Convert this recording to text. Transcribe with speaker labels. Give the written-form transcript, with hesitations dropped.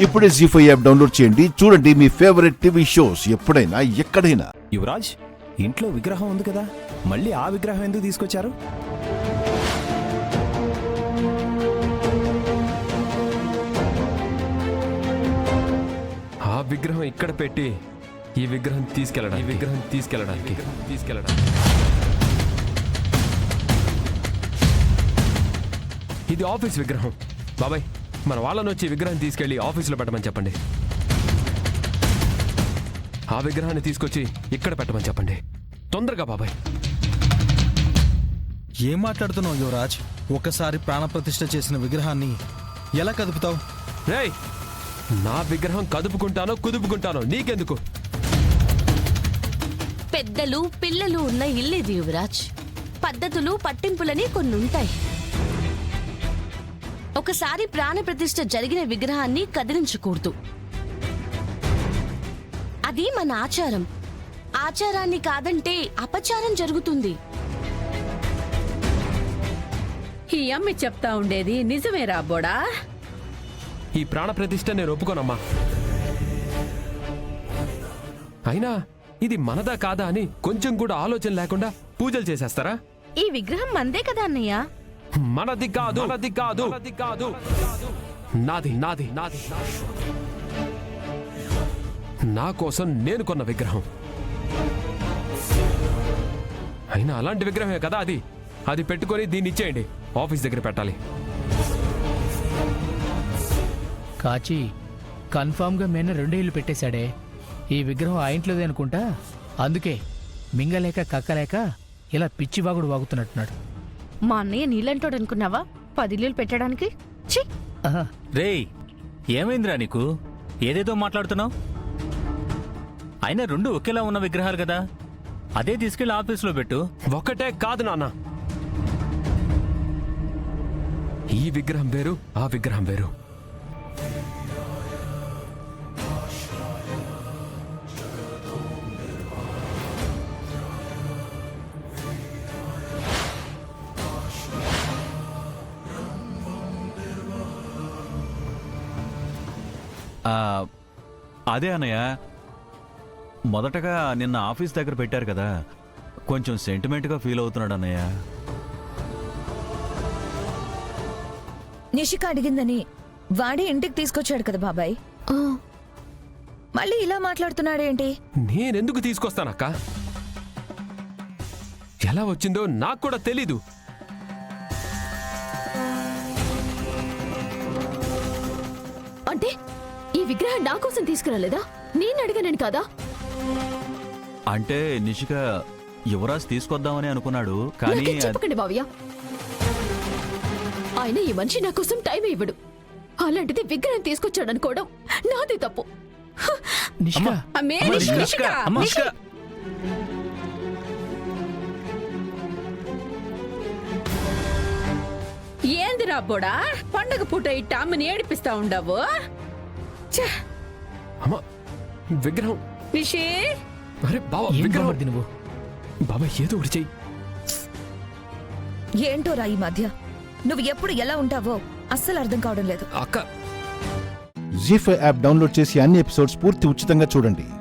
Speaker 1: ఇప్పుడే జీ5 app download చేయండి. చూడండి మీ ఫేవరెట్ టీవీ షోస్ ఎప్పుడైనా ఎక్కడైనా.
Speaker 2: యువరాజ్, ఇంట్లో విగ్రహం ఉంది కదా, మళ్ళీ ఆ విగ్రహం ఎందుకు తీసుకొచ్చారు?
Speaker 3: ఆ విగ్రహం ఇక్కడ పెట్టి ఈ విగ్రహం తీసుకెళ్ళడానికి ఇది ఆఫీస్ విగ్రహం. బాబాయ్, మన వాళ్ళని వచ్చి విగ్రహం తీసుకెళ్లి ఆఫీసులో పెట్టమని చెప్పండి. ఆ విగ్రహాన్ని తీసుకొచ్చి ఇక్కడ పెట్టమని చెప్పండి. తొందరగా బాబాయ్.
Speaker 4: ఏం మాట్లాడుతున్నావు యువరాజ్? ఒకసారి ప్రాణప్రతిష్ఠ చేసిన విగ్రహాన్ని ఎలా కదుపుతావు?
Speaker 3: రేయ్, నా విగ్రహం కదుపుకుంటానో కుదుపుకుంటానో నీకెందుకు?
Speaker 5: పెద్దలు పిల్లలు ఉన్న ఇల్లేది యువరాజ్. పద్ధతులు పట్టింపులని కొన్నుంటాయి. ఒకసారి ప్రాణప్రతిష్ఠ జరిగిన విగ్రహాన్ని కదిలించకూడదు. అది మన ఆచారం. ఆచారాన్ని కాదంటే అపచారం జరుగుతుంది.
Speaker 6: ఈ అమ్మి చెప్తా ఉండేది నిజమే రాబోడా?
Speaker 3: ఈ ప్రాణప్రతిష్ఠ నేను ఒప్పుకోనమ్మా. అయినా ఇది మనదా కాదా అని కొంచెం కూడా ఆలోచన లేకుండా పూజలు చేసేస్తారా?
Speaker 5: ఈ విగ్రహం మందే కదా అన్నయ్య.
Speaker 3: మనది కాదు, నాది. నా కోసం నేను కొన్న విగ్రహం. అయినా అలాంటి విగ్రహమే కదా అది పెట్టుకొని దీన్ని ఇచ్చేయండి. ఆఫీస్ దగ్గర పెట్టాలి.
Speaker 7: కాచి కన్ఫామ్గా మేన 2 ఇళ్ళు పెట్టేశాడే. ఈ విగ్రహం ఆ ఇంట్లోదే అనుకుంటా. అందుకే మింగలేక కక్కలేక ఇలా పిచ్చివాగుడు వాగుతున్నట్టున్నాడు.
Speaker 5: మా అన్నయ్య నీళ్ళంటోడు అనుకున్నావా 10 ఇల్లులు పెట్టడానికి? ఛీ!
Speaker 8: రేయ్, ఏమైందిరా నీకు? ఏదేదో మాట్లాడుతున్నావు? అయినా 2 ఒకేలా ఉన్న విగ్రహాలు కదా, అదే తీసుకెళ్లి ఆఫీసులో పెట్టు.
Speaker 3: ఒకటే కాదు నాన్న, ఈ విగ్రహం వేరు, ఆ విగ్రహం వేరు.
Speaker 8: అదే అన్నయ్య, మొదటగా నిన్న ఆఫీస్ దగ్గర పెట్టారు కదా, కొంచెం సెంటిమెంట్గా ఫీల్ అవుతున్నాడు అన్నయ్య.
Speaker 9: నిషిక అడిగిందని వాడి ఇంటికి తీసుకొచ్చాడు కదా బాబాయ్. మళ్ళీ ఇలా మాట్లాడుతున్నాడేంటి?
Speaker 3: నేనెందుకు తీసుకొస్తానక్క? ఎలా వచ్చిందో నాకు కూడా తెలీదు.
Speaker 5: అంటే ఈ విగ్రహం నా కోసం తీసుకురాలేదా? నేను అడిగానని కాదా?
Speaker 8: అంటే నిషిక యువరాజ్ తీసుకొద్దామని అనుకున్నాడు, కానీ
Speaker 5: చెప్పకండి బావయ్య. ఆయన ఈ మనిషి నా కోసం టైం ఇవ్వడు. అలాంటిది విగ్రహం తీసుకొచ్చాడు అనుకోవడం నాది తప్పు.
Speaker 6: ఏంది రాబోడా, పండగ పూట ఇట్ట అమ్మని ఏడిపిస్తా ఉండవు?
Speaker 3: అమ్మా, విగ్రహం.
Speaker 6: నిషి,
Speaker 3: అరే బాబా, విగ్రహం నువ్వు. బాబా ఏదో ఒకటి చెయ్యి.
Speaker 9: ఏంటోరా ఈ మధ్య నువ్వు ఎప్పుడు ఎలా ఉంటావో అస్సలు అర్థం కావడం లేదు.
Speaker 3: అక్క,
Speaker 1: జీ5 యాప్ డౌన్లోడ్ చేసి అన్ని ఎపిసోడ్స్ పూర్తి ఉచితంగా చూడండి.